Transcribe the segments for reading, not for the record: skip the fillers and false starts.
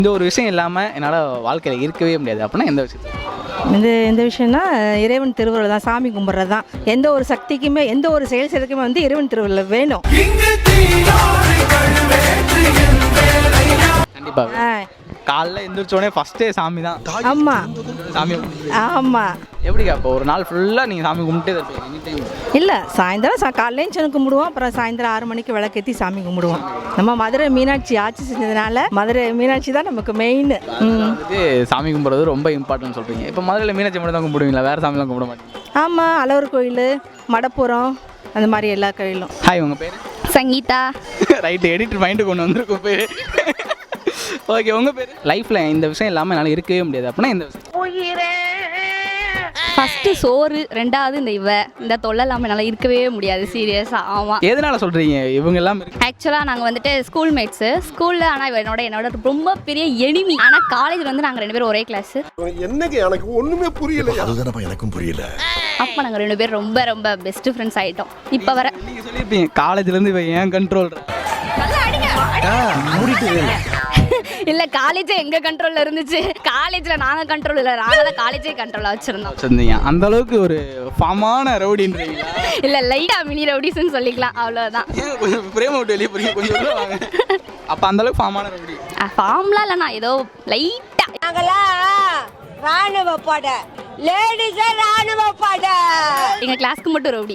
இந்த ஒரு விஷயம் இல்லாமல் என்னால் வாழ்க்கையில் இருக்கவே முடியாது அப்படின்னா எந்த விஷயம்? இந்த விஷயம்னா இறைவன் திருவுருள் தான், சாமி கும்பிட்றது தான். எந்த ஒரு சக்திக்குமே எந்த ஒரு செயல் செய்யறதுக்குமே வந்து இறைவன் திருவுருள் வேணும். கண்டிப்பாக காலைல எந்திரிச்சோடனே ஃபஸ்ட்டே சாமி தான். ஆமாம் சாமி ஆமாம். எப்படிக்கா இப்போ ஒரு நாள் ஃபுல்லாக நீங்கள் சாமி கும்பிட்டே தான் இருப்பீங்க எனி டைம்? இல்லை, சாயந்தரம் காலையிலையும் சனு கும்பிடுவோம், அப்புறம் சாயந்தரம் 6 மணிக்கு விளக்கேற்றி சாமி கும்பிடுவோம். நம்ம மதுரை மீனாட்சி ஆட்சி செஞ்சதுனால மதுரை மீனாட்சி தான் நமக்கு மெயின். வந்துட்டு சாமி கும்பிட்றது ரொம்ப இம்பார்ட்டன்ட் சொல்கிறீங்க. இப்போ மதுரையில் மீனாட்சி மட்டும் தான் கும்பிடுவீங்களா, வேறு சாமிலாம் கும்பிட மாட்டீங்க? ஆமாம், அழகர் கோயில், மடப்புறம், அந்த மாதிரி எல்லா கோயிலும். ஹாய், உங்கள் பேர்? சங்கீதா. ரைட்டு, எடிட்டர் மைண்டு கொண்டு வந்திருக்கும் பேர். ஓகே, உங்கள் பேர்? லைஃப்பில் இந்த விஷயம் இல்லாமல் என்னால் இருக்கவே முடியாது அப்படின்னா இந்த விஷயம்? ஃபஸ்ட்டு சோறு, ரெண்டாவது இந்த தொல்லை இல்லாமல் என்னால் இருக்கவே முடியாது சீரியஸாக. ஆமாம். எதனால் சொல்கிறீங்க இவங்க எல்லாம் இருக்கு? ஆக்சுவலாக நாங்கள் வந்துட்டு ஸ்கூல் மேட்ஸு ஸ்கூலில், ஆனால் என்னோட ரொம்ப பெரிய எனிமி. ஆனால் காலேஜில் வந்து நாங்கள் 2 பேரும் ஒரே கிளாஸு. என்னங்க எனக்கு ஒன்றுமே புரியல. அதுதானப்பா எனக்கும் புரியல. அப்போ நாங்கள் 2 பேரும் ரொம்ப ரொம்ப பெஸ்ட் ஃப்ரெண்ட்ஸ் ஆகிட்டோம். இப்போ வர நீங்கள் சொல்லியிருப்பீங்க காலேஜ்லேருந்து இவன் ஏன் கண்ட்ரோல் இல்லை, காலேஜே எங்கள் கண்ட்ரோலில் இருந்துச்சு. காலேஜில் நாங்கள் கண்ட்ரோல் இல்லை, நாங்கள் தான் காலேஜே கண்ட்ரோலாக வச்சுருந்தோம். வச்சுருந்தீங்க. அந்த அளவுக்கு ஒரு ஃபார்மான ரவுடின்றீங்களா? இல்லை, லைட்டாக மினி ரவுடிஸ்ன்னு சொல்லிக்கலாம், அவ்வளோதான். ஏன் கொஞ்சம் பிரேம விட்டு வெளியே போறீங்க, கொஞ்சம் உள்ள வாங்க. அப்போ அந்த அளவுக்கு ஃபார்மான ரவுடி? ஃபார்ம்லாம் இல்லைண்ணா, ஏதோ லைட்டாக. நாங்களாம் ராணுவ பட, லேடிஸே ராணுவ பட. எங்கள் கிளாஸ்க்கு மட்டும் ரவுடி,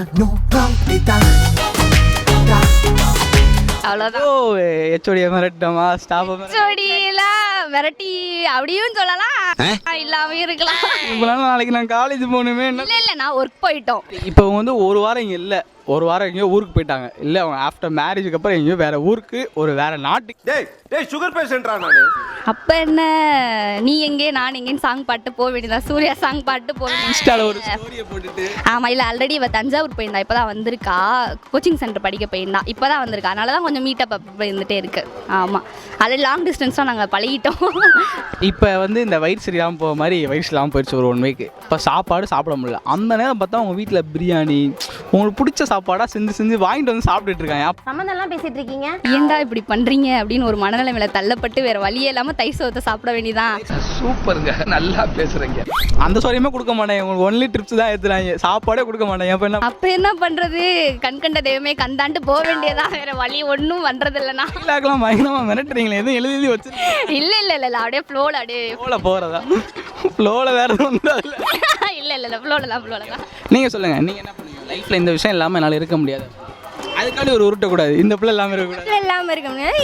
அவ்வளோதான். ஓ, ஹெச்ஓடியை மிரட்டமா, ஸ்டாஃபை ஹெச்ஓடிலாம் மிரட்டி அப்படியும் சொல்லலாம், இல்லாமல் இருக்கலாம். இப்போலாம் நாளைக்கு நான் காலேஜ் போகணுமே. இல்லை, நான் ஒர்க் போயிட்டோம். இப்போ வந்து ஒரு வாரம் இங்கே இல்லை, ஒரு வாரம் எங்கேயோ ஊருக்கு போயிட்டாங்க. இல்லை, அவங்க ஆஃப்டர் மேரேஜுக்கு அப்புறம் எங்கேயோ வேறு ஊருக்கு, ஒரு வேறு நாட்டுக்கு. டேய் சுகர் பேஷண்ட்ரா நானு. அப்போ என்ன, நீ எங்கே நான் எங்கேன்னு சாங் பாட்டு போக வேண்டியதா, சூர்யா சாங் பாட்டு போக இன்ஸ்டாவில் ஒரு ஸ்டோரியை போட்டுட்டு. ஆமாம். இல்லை, ஆல்ரெடி இவள் தஞ்சாவூர் போயிருந்தா, இப்போ தான் வந்திருக்கா. கோச்சிங் சென்டர் படிக்க போயிருந்தா, இப்போ தான் வந்திருக்கா. அதனால தான் கொஞ்சம் மீட்டப் அப்போ இருந்துகிட்டே இருக்கு. ஆமாம், அது லாங் டிஸ்டன்ஸ்லாம் நாங்கள் பழகிட்டோம். இப்போ வந்து இந்த வயிறு சரியில்லாமல் போக மாதிரி வயிறு இல்லாமல் போயிடுச்சு ஒரு 1 வீக். இப்போ சாப்பாடு சாப்பிட முடியல. அந்த நேரம் பார்த்தா உங்கள் வீட்டில் பிரியாணி, உங்களுக்கு பிடிச்ச சாப்பாடாக செஞ்சு வாங்கிட்டு வந்து சாப்பிட்டுட்டு இருக்காங்க. சம்மந்தம்லாம் பேசிட்டு இருக்கீங்க. ஏன்டா இப்படி பண்ணுறீங்க அப்படின்னு ஒரு மனநிலைமையில தள்ளப்பட்டு வேறு வழியே இல்லாமல் தை சோத்தை சாப்பிட வேண்டியதான். சூப்பருங்க, நல்லா பேசுகிறீங்க. அந்த சோரியமே கொடுக்க மாட்டேன், உங்களுக்கு ஒன்லி ட்ரிப்ஸ் தான் ஏற்றுறாங்க, சாப்பாடே கொடுக்க மாட்டேன். அப்போ என்ன பண்ணுறது, கண்கண்ட தெய்வமே கந்தாண்டு போக வேண்டியதான், வேறு வழி ஒன்றும் பண்ணுறது இல்லைண்ணா. இல்லாக்கலாம் பயங்கரமாக மிரட்டுறீங்களே, எதுவும் எழுதி வச்சு? இல்லை, அப்படியே ஃப்ளோவில் அப்படியே போகிறதா? ஃப்ளோவில் வேறு எதுவும் இல்லை. இல்லை, ஃப்ளோவில் தான். நீங்கள் சொல்லுங்கள், நீங்கள் என்ன பண்ணுவீங்க லைஃப்பில் இந்த விஷயம் இல்லாமல் என்னால் இருக்க முடியாது, அதுக்காண்டி ஒரு உருட்டக்கூடாது, இந்த பிள்ளை இல்லாமல் இருக்கக்கூடாது? இல்லாமல் இருக்க முடியாது.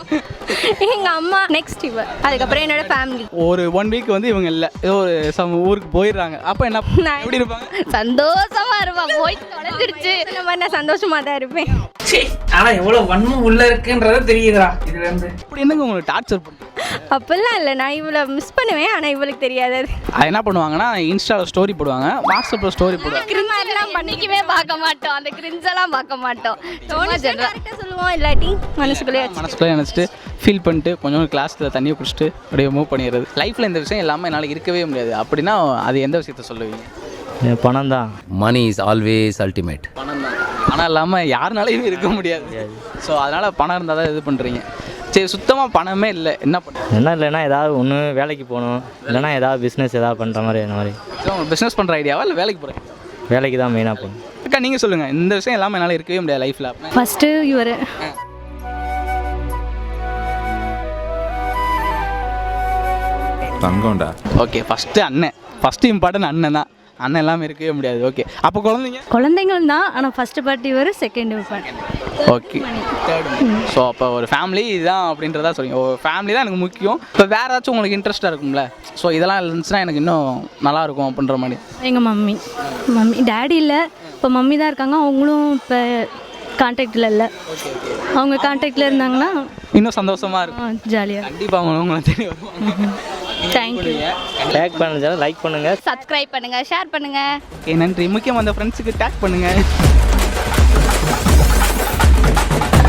எங்கள் அம்மா நெக்ஸ்ட் இவர், அதுக்கப்புறம் என்னோட ஃபேமிலி. ஒரு 1 வீக் வந்து இவங்க இல்லை, ஏதோ ஒரு ஊருக்கு போயிடுறாங்க. அப்போ என்ன எப்படி இருப்பாங்க? சந்தோஷமா இருப்பான், போய் தொலைஞ்சிருச்சு இந்த மாதிரி. நான் சந்தோஷமா தான் இருப்பேன். ஆனா எவ்வளவு வன்மம் உள்ள இருக்குன்றத தெரியுதுடா இதுல இருந்து. அப்படி என்னங்க உங்களுக்கு டார்ச்சர் பண்ணுங்க? அப்பெல்லாம் இல்லை, நான் இவளை மிஸ் பண்ணுவேன், ஆனால் இவளுக்கு தெரியாது. அது என்ன பண்ணுவாங்கன்னா, இன்ஸ்டாவில் ஸ்டோரி போடுவாங்க, வாட்ஸ்அப்பில் ஸ்டோரி போடுவாங்க. கிரிஞ்செல்லாம் பண்ணிக்கவே பார்க்க மாட்டோம், அந்த கிரிஞ்செல்லாம் பார்க்க மாட்டோம். சொல்லுவோம், இல்லாட்டி மனசுக்குள்ளே நினச்சிட்டு ஃபீல் பண்ணிட்டு கொஞ்சம் கிளாஸில் தண்ணியை குடிச்சிட்டு அப்படியே மூவ் பண்ணிடுறது. லைஃப்பில் இந்த விஷயம் இல்லாமல் என்னால் இருக்கவே முடியாது அப்படின்னா அது எந்த விஷயத்த சொல்லுவீங்க? பணம் தான். Money is always ultimate. பணம் தான். பணம் இல்லாமல் யாருனாலையும் இருக்க முடியாது. ஸோ அதனால் பணம் இருந்தால் தான் இது பண்ணுறீங்க. சரி, சுத்தமாக பணமே இல்லை, என்ன பண்ணுறது? என்ன இல்லைன்னா ஏதாவது ஒன்று வேலைக்கு போகணும், இல்லைனா ஏதாவது பிஸ்னஸ் ஏதாவது பண்ணுற மாதிரி அந்த மாதிரி. ஸோ உங்களுக்கு பிஸ்னஸ் பண்ணுற ஐடியாவா இல்லை வேலைக்கு போகிறேன்? வேலைக்கு தான் மெயினாக போகணும். அக்கா, நீங்கள் சொல்லுங்கள், இந்த விஷயம் இல்லாமல் என்னால் இருக்கவே முடியாது லைஃப்பில். ஃபஸ்ட்டு இவர் தங்கம்டா. ஓகே, ஃபஸ்ட்டு அண்ணன், ஃபஸ்ட்டு இம்பார்ட்டன்ட் அண்ணன் தான். அண்ணன் எல்லாமே இருக்கவே முடியாது. ஓகே, அப்போ குழந்தைங்கள் தான், ஆனால் ஃபஸ்ட்டு பார்ட்டி இவர், செகண்ட் பார்ட்டி. ஓகே, ஸோ அப்போ ஒரு ஃபேமிலி இதுதான் அப்படின்றதா சொல்லுங்க. ஒரு ஃபேமிலி தான் எனக்கு முக்கியம். இப்போ வேறு ஏதாச்சும் உங்களுக்கு இன்ட்ரெஸ்ட்டாக இருக்கும்ல, ஸோ இதெல்லாம் இருந்துச்சுன்னா எனக்கு இன்னும் நல்லாயிருக்கும் அப்படின்ற மாதிரி. எங்கள் மம்மி டேடி இல்லை, இப்போ மம்மி தான் இருக்காங்க. அவங்களும் இப்போ கான்டாக்டில் இல்லை. அவங்க கான்டாக்டில் இருந்தாங்கன்னா இன்னும் சந்தோஷமாக இருக்கும், ஜாலியாக. கண்டிப்பாக உங்களை தேடி வருவாங்க. தேங்க்யூ. டேக் பண்ணுங்க, லைக் பண்ணுங்கள், சப்ஸ்கிரைப் பண்ணுங்கள், ஷேர் பண்ணுங்கள். நன்றி. முக்கியமாக அந்த ஃப்ரெண்ட்ஸுக்கு டேக் பண்ணுங்கள்.